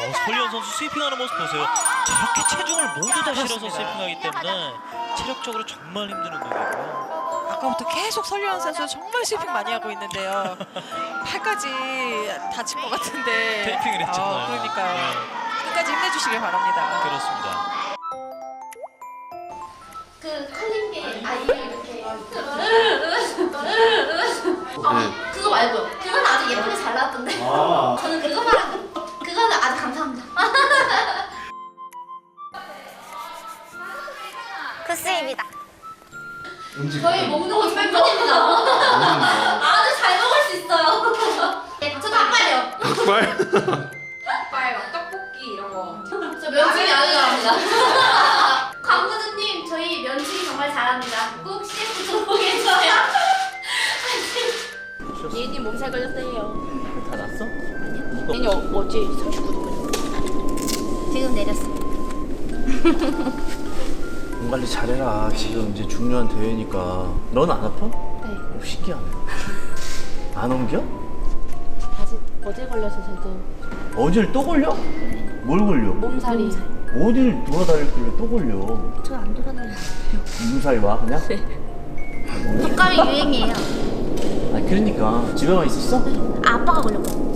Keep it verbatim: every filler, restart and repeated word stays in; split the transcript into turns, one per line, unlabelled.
어, 설리현 선수 스위핑하는 모습 보세요. 저렇게 체중을 모두 다 실어서 스위핑하기 때문에 체력적으로 정말 힘든 운동이고요.
아까부터 계속 설리현 선수 정말 스위핑 많이 하고 있는데요. 팔까지 다칠 것 같은데.
테이핑을 했잖아요.
어, 그러니까요.
네.
끝까지 힘내주시길 바랍니다.
그렇습니다.
그 칼림게 아이를 이렇게 아, 그거 말고요. 그건 아주 예쁘게 잘 나왔던데.
아.
저는 그거 말고 그거는 아주 감사합니다.
굿스입니다.
음식.
저희 먹는 거 꿀꿀입니다. 아주 잘 먹을 수 있어요. 네, 저 닭발이요.
닭발?
닭발, 떡볶이 이런 거. 저 면치기 아주 잘합니다. 광구주님, 저희 면치기 정말 잘합니다. 꼭 씨에프 들어오겠어요.
예인이 몸살 걸렸어요.
다 났어?
예인이 어, 어제 삼십구 도
지금 내렸어.
몸 관리 잘해라. 지금 이제 중요한 대회니까. 넌 안 아파?
네.
오, 신기하네. 안 옮겨?
아직 어제 걸려서 저도
어딜 또 걸려? 뭘 걸려?
몸살이.
어딜 돌아다녔길래 또 걸려?
저 안 돌아다녀요.
무사히 와 그냥?
독감이 유행이에요.
아 그러니까 집에만 있었어?
아빠가 걸렸거든요.